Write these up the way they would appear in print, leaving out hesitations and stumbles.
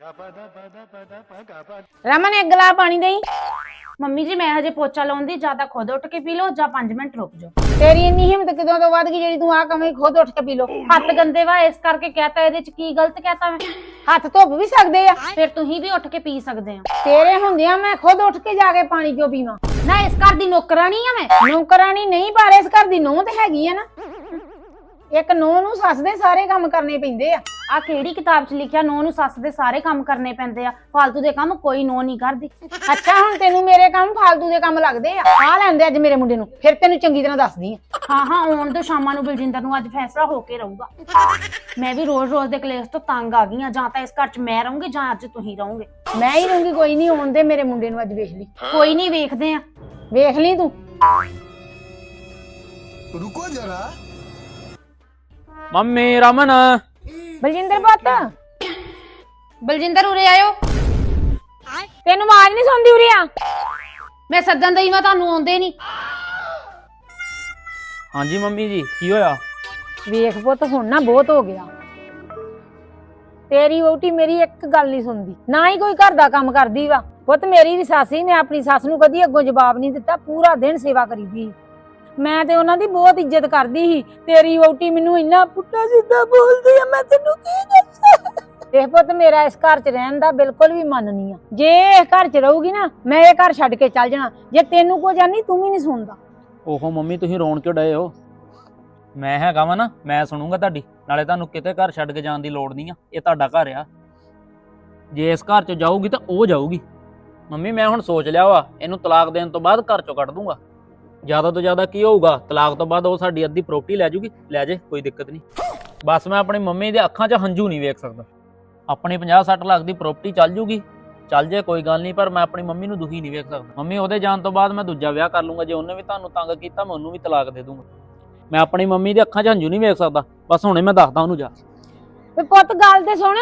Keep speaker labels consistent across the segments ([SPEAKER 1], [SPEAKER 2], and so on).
[SPEAKER 1] ਰਮਨ ਇੱਕ ਗਲਾਸ ਪਾਣੀ ਦੇਈ।
[SPEAKER 2] ਮੰਮੀ ਜੀ ਮੈਂ ਹਜੇ ਪੋਚਾ ਲਾਉਂਦੀ, ਜਾਂ ਤਾਂ ਖੁਦ ਉੱਠ ਕੇ ਪੀ ਲਓ ਜਾਂ 5 ਮਿੰਟ ਰੁਕ ਜਾਓ।
[SPEAKER 1] ਤੇਰੀ ਇੰਨੀ ਹਿੰਮਤ ਕਿਦੋਂ ਤੋਂ ਵੱਧ ਗਈ ਜਿਹੜੀ ਤੂੰ ਆ ਕਵੇਂ ਖੁਦ ਉੱਠ ਕੇ ਪੀ ਲੋ।
[SPEAKER 2] ਹੱਥ ਗੰਦੇ ਵਾ ਇਸ ਕਰਕੇ ਕਹਤਾ, ਇਹਦੇ ਚ ਕੀ ਗਲਤ ਕਹਤਾ ਮੈਂ?
[SPEAKER 1] ਹੱਥ ਧੁੱਪ ਵੀ ਸਕਦੇ ਆ,
[SPEAKER 2] ਫਿਰ ਤੁਸੀਂ ਵੀ ਉੱਠ ਕੇ ਪੀ ਸਕਦੇ ਹੋ।
[SPEAKER 1] ਤੇਰੇ ਹੁੰਦਿਆਂ ਮੈਂ ਖੁਦ ਉੱਠ ਕੇ ਜਾ ਕੇ ਪਾਣੀ ਕਿਉਂ ਪੀਵਾਂ?
[SPEAKER 2] ਨਾ ਇਸ ਘਰ ਦੀ ਨੌਕਰਾਨੀ ਆ ਮੈਂ।
[SPEAKER 1] ਨੌਕਰਾਨੀ ਨਹੀਂ, ਪਰ ਇਸ ਘਰ ਦੀ ਨੂੰਹ ਤੇ ਹੈਗੀ ਆ ਨਾ। ਇੱਕ ਨੂੰਹ ਨੂੰ ਸੱਸ ਦੇ ਸਾਰੇ ਕੰਮ ਕਰਨੇ ਪੈਂਦੇ ਆ।
[SPEAKER 2] ਆ ਕਿਹੜੀ ਕਿਤਾਬ 'ਚ ਲਿਖਿਆ ਨੂੰਹ ਨੂੰ ਸੱਸ ਦੇ ਸਾਰੇ ਕੰਮ ਕਰਨੇ ਪੈਂਦੇ ਆ? ਫਾਲਤੂ ਦੇ ਕੰਮ ਕੋਈ ਨੂੰਹ ਨਹੀਂ ਕਰਦੀ।
[SPEAKER 1] ਅੱਛਾ ਹੁਣ ਤੈਨੂੰ ਮੇਰੇ ਕੰਮ ਫਾਲਤੂ ਦੇ ਕੰਮ ਲੱਗਦੇ ਆ ਲੈਂਦੇ ਅੱਜ ਮੇਰੇ ਮੁੰਡੇ ਨੂੰ, ਫਿਰ ਤੈਨੂੰ ਚੰਗੀ ਤਰ੍ਹਾਂ ਦੱਸਦੀ ਆ।
[SPEAKER 2] ਹਾਂ ਆਉਣ ਤੋਂ ਸ਼ਾਮਾਂ ਨੂੰ ਬਲਜਿੰਦਰ ਨੂੰ ਅੱਜ ਫੈਸਲਾ ਹੋ ਕੇ ਰਹੂਗਾ। ਮੈਂ ਵੀ ਰੋਜ਼ ਦੇ ਕਲੇਸ਼ ਤੋਂ ਤੰਗ ਆ ਗਈ ਆ। ਜਾਂ ਤਾਂ ਇਸ ਘਰ 'ਚ ਮੈਂ ਰਹੂੰਗੀ ਜਾਂ ਅੱਜ ਤੁਸੀਂ ਰਹੋਗੇ।
[SPEAKER 1] ਮੈਂ ਹੀ ਰਹੂੰਗੀ, ਕੋਈ ਨਹੀਂ ਆਉਣ ਦੇ ਮੇਰੇ ਮੁੰਡੇ ਨੂੰ, ਅੱਜ ਵੇਖ ਲਈ।
[SPEAKER 2] ਕੋਈ ਨਹੀਂ ਵੇਖਦੇ ਆ,
[SPEAKER 1] ਵੇਖ ਲਈ ਤੂੰ।
[SPEAKER 3] रुको जरा।
[SPEAKER 4] ਮੰਮੀ ਰਮਨ
[SPEAKER 1] ਬਲਜਿੰਦਰ ਪੁੱਤ,
[SPEAKER 2] ਬਲਜਿੰਦਰ ਉਰੇ ਆਇਓ।
[SPEAKER 1] ਤੈਨੂੰ ਆਵਾਜ਼ ਨਹੀਂ ਸੁਣਦੀ ਉਰੇ ਆ?
[SPEAKER 2] ਮੈਂ ਸੱਦਣ ਦਈ ਮੈਂ ਤੁਹਾਨੂੰ ਆਉਂਦੇ ਨਹੀਂ।
[SPEAKER 4] ਹਾਂਜੀ ਮੰਮੀ ਜੀ ਕੀ ਹੋਇਆ?
[SPEAKER 1] ਵੇਖ ਪੁੱਤ ਹੁਣ ਨਾ ਬਹੁਤ ਹੋ ਗਿਆ। ਤੇਰੀ ਵਹੁਟੀ ਮੇਰੀ ਇੱਕ ਗੱਲ ਨਹੀਂ ਸੁਣਦੀ, ਨਾ ਹੀ ਕੋਈ ਘਰ ਦਾ ਕੰਮ ਕਰਦੀ ਵਾ। ਪੁੱਤ ਮੇਰੀ ਵੀ ਸੱਸ ਸੀ, ਮੈਂ ਆਪਣੀ ਸੱਸ ਨੂੰ ਕਦੀ ਅੱਗੋਂ ਜਵਾਬ ਨਹੀਂ ਦਿੱਤਾ, ਪੂਰਾ ਦਿਨ ਸੇਵਾ ਕਰੀਦੀ। ਮੈਂ ਤੇ ਉਹਨਾਂ ਦੀ ਬਹੁਤ ਇੱਜ਼ਤ ਕਰਦੀ ਸੀ। ਤੇਰੀ ਵਹੁਟੀ ਮੈਨੂੰ ਇੰਨਾ ਪੁੱਠਾ ਸਿੱਧਾ ਬੋਲਦੀ ਆ, ਮੈਂ ਤੈਨੂੰ ਕੀ ਦੱਸਾਂ। ਦੇਖ ਪੁੱਤ ਮੇਰਾ ਇਸ ਘਰ 'ਚ ਰਹਿਣ ਦਾ ਬਿਲਕੁਲ ਵੀ ਮਨ ਨਹੀਂ ਆ। ਜੇ ਇਸ ਘਰ 'ਚ ਰਹੂਗੀ ਨਾ, ਮੈਂ ਇਹ ਘਰ ਛੱਡ ਕੇ ਚੱਲ ਜਾਣਾ। ਜੇ ਤੈਨੂੰ ਕੋ ਜਾਨੀ ਤੂੰ ਵੀ ਨਹੀਂ ਸੁਣਦਾ।
[SPEAKER 4] ਓਹੋ ਮੰਮੀ ਤੁਸੀਂ ਰੋਣ ਕਿਉਂ ਡਏ ਹੋ? ਮੈਂ ਹੈਗਾ ਵਾ ਨਾ, ਮੈਂ ਸੁਣੂਗਾ ਤੁਹਾਡੀ। ਨਾਲੇ ਤੁਹਾਨੂੰ ਕਿਤੇ ਘਰ ਛੱਡ ਕੇ ਜਾਣ ਦੀ ਲੋੜ ਨਹੀਂ ਆ, ਇਹ ਤੁਹਾਡਾ ਘਰ ਆ। ਜੇ ਇਸ ਘਰ 'ਚ ਜਾਊਗੀ ਤਾਂ ਉਹ ਜਾਊਗੀ। ਮੰਮੀ ਮੈਂ ਹੁਣ ਸੋਚ ਲਿਆ ਵਾ, ਇਹਨੂੰ ਤਲਾਕ ਦੇਣ ਤੋਂ ਬਾਅਦ ਘਰ 'ਚੋਂ ਕੱਢ ਦੂੰਗਾ। ਜ਼ਿਆਦਾ ਤੋਂ ਜ਼ਿਆਦਾ ਕੀ ਹੋਊਗਾ, ਤਲਾਕ ਤੋਂ ਬਾਅਦ ਉਹ ਸਾਡੀ ਅੱਧੀ ਪ੍ਰਾਪਰਟੀ ਲੈ ਜੂਗੀ, ਲੈ ਜੇ ਕੋਈ ਦਿੱਕਤ ਨਹੀਂ। ਬਸ ਮੈਂ ਆਪਣੀ ਮੰਮੀ ਦੇ ਅੱਖਾਂ 'ਚ ਹੰਝੂ ਨਹੀਂ ਵੇਖ ਸਕਦਾ। ਆਪਣੀ 50-60 ਲੱਖ ਦੀ ਪ੍ਰਾਪਰਟੀ ਚੱਲ ਜੂਗੀ, ਚੱਲ ਜੇ ਕੋਈ ਗੱਲ ਨਹੀਂ, ਪਰ ਮੈਂ ਆਪਣੀ ਮੰਮੀ ਨੂੰ ਦੁਖੀ ਨਹੀਂ ਵੇਖ ਸਕਦਾ। ਮੰਮੀ ਉਹਦੇ ਜਾਣ ਤੋਂ ਬਾਅਦ ਮੈਂ ਦੂਜਾ ਵਿਆਹ ਕਰ ਲੂੰਗਾ। ਜੇ ਉਹਨੇ ਵੀ ਤੁਹਾਨੂੰ ਤੰਗ ਕੀਤਾ ਮੈਂ ਉਹਨੂੰ ਵੀ ਤਲਾਕ ਦੇ ਦੂੰਗਾ। ਮੈਂ ਆਪਣੀ ਮੰਮੀ ਦੇ ਅੱਖਾਂ 'ਚ ਹੰਝੂ ਨਹੀਂ ਵੇਖ ਸਕਦਾ। ਬਸ ਹੁਣੇ ਮੈਂ ਦੱਸਦਾ ਉਹਨੂੰ ਜਾ।
[SPEAKER 1] ਵੇ ਪੁੱਤ ਗੱਲ ਤੇ ਸੁਣ।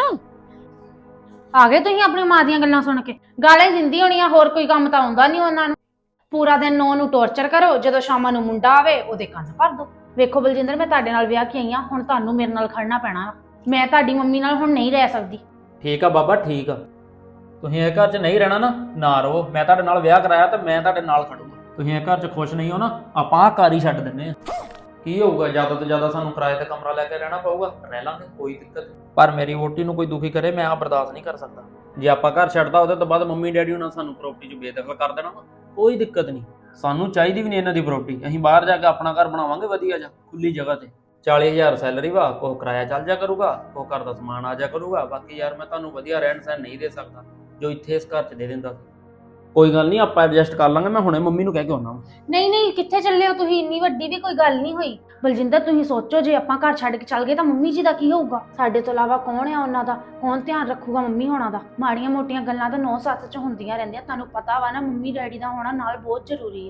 [SPEAKER 2] ਆ ਗਏ ਤੁਸੀਂ ਆਪਣੀ ਮਾਂ ਦੀਆਂ ਗੱਲਾਂ ਸੁਣ ਕੇ? ਗਾਲਾਂ ਹੀ ਦਿੰਦੀ ਹੋਣੀ ਆ, ਹੋਰ ਕੋਈ ਕੰਮ ਤਾਂ ਆਉਂਦਾ ਨਹੀਂ ਉਹਨਾਂ ਨੂੰ। ਪੂਰਾ ਦਿਨ ਨੂੰਹ ਨੂੰ ਟੌਰਚਰ ਕਰੋ, ਜਦੋਂ ਸ਼ਾਮਾਂ ਨੂੰ ਮੁੰਡਾ ਆਵੇ ਉਹਦੇ ਕੰਨ ਭਰ ਦੋ। ਵੇਖੋ ਬਲਜਿੰਦਰ, ਮੈਂ ਤੁਹਾਡੇ ਨਾਲ ਵਿਆਹ ਕੇ ਆਈ ਆ, ਹੁਣ ਤੁਹਾਨੂੰ ਮੇਰੇ ਨਾਲ ਖੜਨਾ ਪੈਣਾ। ਮੈਂ ਤੁਹਾਡੀ ਮੰਮੀ ਨਾਲ ਹੁਣ ਨਹੀਂ ਰਹਿ ਸਕਦੀ।
[SPEAKER 4] ਠੀਕ ਆ ਬਾਬਾ ਠੀਕ ਆ, ਤੁਸੀਂ ਇਹ ਘਰ 'ਚ ਨਹੀਂ ਰਹਿਣਾ ਨਾ ਰਹੋ। ਮੈਂ ਤੁਹਾਡੇ ਨਾਲ ਵਿਆਹ ਕਰਾਇਆ ਤੇ ਮੈਂ ਤੁਹਾਡੇ ਨਾਲ ਖੜੂੰਗਾ। ਤੁਸੀਂ ਇਹ ਘਰ 'ਚ ਖੁਸ਼ ਨਹੀਂ ਹੋ ਨਾ, ਆਪਾਂ ਆਹ ਘਰ ਹੀ ਛੱਡ ਦਿੰਨੇ ਆ। ਕੀ ਹੋਊਗਾ, ਜ਼ਿਆਦਾ ਤੋਂ ਜ਼ਿਆਦਾ ਸਾਨੂੰ ਕਿਰਾਏ ਤੇ ਕਮਰਾ ਲੈ ਕੇ ਰਹਿਣਾ ਪਊਗਾ, ਰਹਿ ਲਾਂਗੇ, ਕੋਈ ਦਿੱਕਤ ਨਹੀਂ। ਪਰ ਮੇਰੀ ਵੋਟੀ ਨੂੰ ਕੋਈ ਦੁਖੀ ਕਰੇ, ਮੈਂ ਆ ਬਰਦਾਸ਼ਤ ਨਹੀਂ ਕਰ ਸਕਦਾ। ਜੇ ਆਪਾਂ ਘਰ ਛੱਡਦਾ ਉਹਦੇ ਤੋਂ ਬਾਅਦ ਮੰਮੀ ਡੈਡੀ ਉਹਨਾਂ ਸਾਨੂੰ ਪ੍ਰਾਪਰਟੀ 'ਚ ਬੇਦਖਲ ਕਰ ਦੇਣਾ, ਕੋਈ ਦਿੱਕਤ ਨਹੀਂ। ਸਾਨੂੰ ਚਾਹੀਦੀ ਵੀ ਨਹੀਂ ਇਹਨਾਂ ਦੀ ਪ੍ਰਾਪਰਟੀ। ਅਸੀਂ ਬਾਹਰ ਜਾ ਕੇ ਆਪਣਾ ਘਰ ਬਣਾਵਾਂਗੇ ਵਧੀਆ ਜਾ ਖੁੱਲੀ ਜਗ੍ਹਾ ਤੇ। 40,000 ਸੈਲਰੀ ਵਾ, ਕੋਈ ਕਿਰਾਇਆ ਚੱਲ ਜਾ ਕਰੂਗਾ, ਕੋਈ ਘਰ ਦਾ ਸਮਾਨ ਆ ਜਾ ਕਰੂਗਾ। ਬਾਕੀ ਯਾਰ ਮੈਂ ਤੁਹਾਨੂੰ ਵਧੀਆ ਰਹਿਣ ਸਹਿਣ ਨਹੀਂ ਦੇ ਸਕਦਾ ਜੋ ਇੱਥੇ ਇਸ ਘਰ 'ਚ ਦੇ ਦਿੰਦਾ। ਕੋਈ ਗੱਲ ਨਹੀਂ, ਆਪਾਂ ਐਡਜਸਟ ਕਰ ਲਾਂਗੇ। ਮੈਂ ਹੁਣੇ ਮੰਮੀ ਨੂੰ ਕਹਿ ਕੇ ਆਉਣਾ ਵਾ।
[SPEAKER 2] ਨਹੀਂ ਕਿੱਥੇ ਚੱਲੇ ਹੋ ਤੁਸੀਂ? ਇੰਨੀ ਵੱਡੀ ਵੀ ਕੋਈ ਗੱਲ ਨਹੀਂ ਹੋਈ। ਬਲਜਿੰਦਰ ਤੁਸੀਂ ਸੋਚੋ, ਜੇ ਆਪਾਂ ਘਰ ਛੱਡ ਕੇ ਚੱਲ ਗਏ ਤਾਂ ਮੰਮੀ ਜੀ ਦਾ ਕੀ ਹੋਊਗਾ? ਸਾਡੇ ਤੋਂ ਇਲਾਵਾ ਕੌਣ ਆ ਉਹਨਾਂ ਦਾ? ਕੌਣ ਧਿਆਨ ਰੱਖੂਗਾ ਮੰਮੀ ਹੋਣਾ ਦਾ? ਮਾੜੀਆਂ ਮੋਟੀਆਂ ਗੱਲਾਂ ਤਾਂ 9-7 ਚ ਹੁੰਦੀਆਂ ਰਹਿੰਦੀਆਂ। ਤੁਹਾਨੂੰ ਪਤਾ ਵਾ ਨਾ, ਮੰਮੀ ਡੈਡੀ ਦਾ ਹੋਣਾ ਨਾਲ ਬਹੁਤ ਜ਼ਰੂਰੀ ਆ।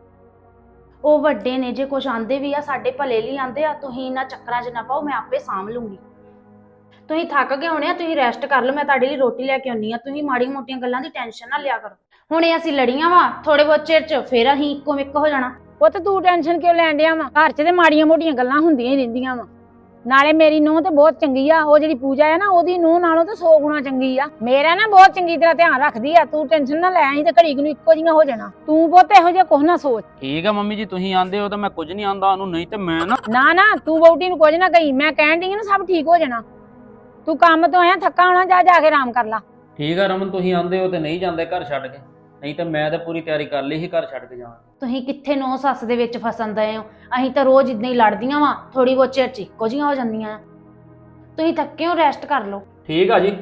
[SPEAKER 2] ਉਹ ਵੱਡੇ ਨੇ, ਜੇ ਕੁਝ ਆਂਦੇ ਵੀ ਆ ਸਾਡੇ ਭਲੇ ਲਈ ਆਂਦੇ ਆ। ਤੁਸੀਂ ਇਹਨਾਂ ਚੱਕਰਾਂ 'ਚ ਨਾ ਪਾਓ, ਮੈਂ ਆਪੇ ਸਾਂਭ ਲੂੰਗੀ। ਤੁਸੀਂ ਥੱਕ ਗਏ ਹੋਣੇ ਆ, ਤੁਸੀਂ ਰੈਸਟ ਕਰ ਲਓ, ਮੈਂ ਤੁਹਾਡੇ ਲਈ ਰੋਟੀ ਲੈ ਕੇ ਆਉਣੀ ਆ। ਤੁਸੀਂ ਮਾੜੀਆਂ ਮੋਟੀਆਂ ਗੱਲਾਂ ਦੀ ਟੈਨਸ਼ਨ ਨਾ ਲਿਆ ਕਰੋ। ਹੁਣੇ ਅਸੀਂ ਲੜੀਆਂ ਵਾ, ਥੋੜੇ ਬਹੁਤ ਚਿਰ 'ਚ ਫੇਰ ਅਸੀਂ ਇੱਕੋ ਮਿੱਕ ਹੋ ਜਾਣਾ।
[SPEAKER 1] ਪੁੱਤ ਤੂੰ ਟੈਨਸ਼ਨ ਕਿਉਂ ਲੈਣ ਡਿਆ ਵਾ? ਘਰ 'ਚ ਤੇ ਮਾੜੀਆਂ ਮੋਟੀਆਂ ਗੱਲਾਂ ਹੁੰਦੀਆਂ ਹੀ ਰਹਿੰਦੀਆਂ ਵਾ। ਨਾਲੇ ਮੇਰੀ ਨੂੰਹ ਤੇ ਬਹੁਤ ਚੰਗੀ ਆ। ਉਹ ਜਿਹੜੀ ਪੂਜਾ ਆ ਨਾ, ਉਹਦੀ ਨੂੰਹ ਨਾਲੋਂ ਤੇ 100 ਗੁਣਾ ਚੰਗੀ ਆ। ਮੇਰਾ ਨਾ ਬਹੁਤ ਚੰਗੀ ਤਰ੍ਹਾਂ ਧਿਆਨ ਰੱਖਦੀ ਆ। ਤੂੰ ਟੈਨਸ਼ਨ ਨਾ ਲੈ, ਅਸੀਂ ਤੇ ਘੜੀ ਨੂੰ ਇੱਕੋ ਜਿਹੀਆਂ ਹੋ ਜਾਣਾ। ਤੂੰ ਪੁੱਤ ਇਹੋ ਜਿਹਾ ਕੁਝ ਨਾ ਸੋਚ।
[SPEAKER 4] ਠੀਕ ਆ ਮੰਮੀ ਜੀ, ਤੁਸੀਂ ਆਂਦੇ ਹੋ ਤਾਂ ਮੈਂ ਕੁਝ ਨਹੀਂ ਆਂਦਾ ਉਹਨੂੰ, ਨਹੀਂ ਤੇ ਮੈਂ
[SPEAKER 1] ਨਾ ਤੂੰ ਵਹੁਟੀ ਨੂੰ ਕੁਝ ਨਾ ਕਹੀ। ਮੈਂ ਕਹਿਣ ਡਈ ਆ ਨਾ, ਸਭ ਠੀਕ ਹੋ ਜਾਣਾ। ਤੂੰ ਕੰਮ ਤੋਂ ਆਇਆ ਥੱਕਾ ਹੋਣਾ, ਜਾ ਕੇ ਆਰਾਮ ਕਰ ਲਾ।
[SPEAKER 4] ਠੀਕ ਆ ਰਮਨ, ਤੁਸੀਂ ਆਂਦੇ ਹੋ ਤੇ ਨਹੀਂ ਜਾਂਦੇ ਘਰ ਛੱਡ ਕੇ, ਨਹੀਂ ਤੇ ਮੈਂ ਤਾਂ ਪੂਰੀ ਤਿਆਰੀ ਕਰ ਲਈ ਸੀ ਘਰ ਛੱਡ ਕੇ ਜਾਣ।
[SPEAKER 2] ਤੁਸੀਂ ਕਿੱਥੇ ਨੌ ਸੱਸ ਦੇ ਵਿੱਚ ਫਸਣ ਦਏ ਹੋ? ਅਸੀਂ ਤਾਂ ਰੋਜ਼ ਇਦਾਂ ਹੀ ਲੜਦੀਆਂ ਵਾ, ਥੋੜੀ ਬਹੁਤ ਚਿਰ 'ਚ ਇੱਕੋ ਜਿਹੀਆਂ ਹੋ ਜਾਂਦੀਆਂ। ਤੁਸੀਂ ਥੱਕੇ ਹੋ, ਰੈਸਟ ਕਰ ਲਓ।
[SPEAKER 4] ਠੀਕ ਆ ਜੀ।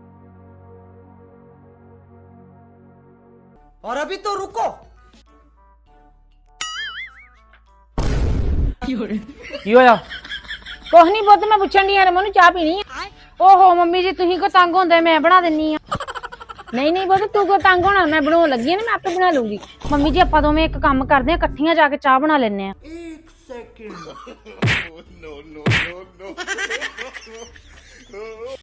[SPEAKER 3] और अभी तो रुको।
[SPEAKER 4] ਕੀ ਹੋਇਆ?
[SPEAKER 1] ਕੁਛ ਨਹੀਂ ਪੁੱਤ, ਮੈਂ ਪੁੱਛਣ ਡਈ ਆ ਰਮਨ ਨੂੰ ਚਾਹ ਪੀਣੀ ਆ।
[SPEAKER 2] ਓਹੋ ਮੰਮੀ ਜੀ, ਤੁਸੀਂ ਕੋ ਤੰਗ ਹੁੰਦੇ, ਮੈਂ ਬਣਾ ਦਿੰਨੀ ਆ।
[SPEAKER 1] ਨਹੀਂ ਪੁੱਤ, ਤੂੰ ਕੋ ਤੰਗ ਹੋਣਾ? ਮੈਂ ਬਣਾਉਣ ਲੱਗੀ ਆ ਨਾ, ਮੈਂ ਆਪੇ ਬਣਾ ਲੂੰਗੀ।
[SPEAKER 2] ਮੰਮੀ ਜੀ ਆਪਾਂ ਦੋਵੇਂ ਇੱਕ ਕੰਮ ਕਰਦੇ ਆ, ਇਕੱਠੀਆਂ ਜਾ ਕੇ ਚਾਹ ਬਣਾ ਲੈਨੇ ਆ।
[SPEAKER 3] 1 second. No no no no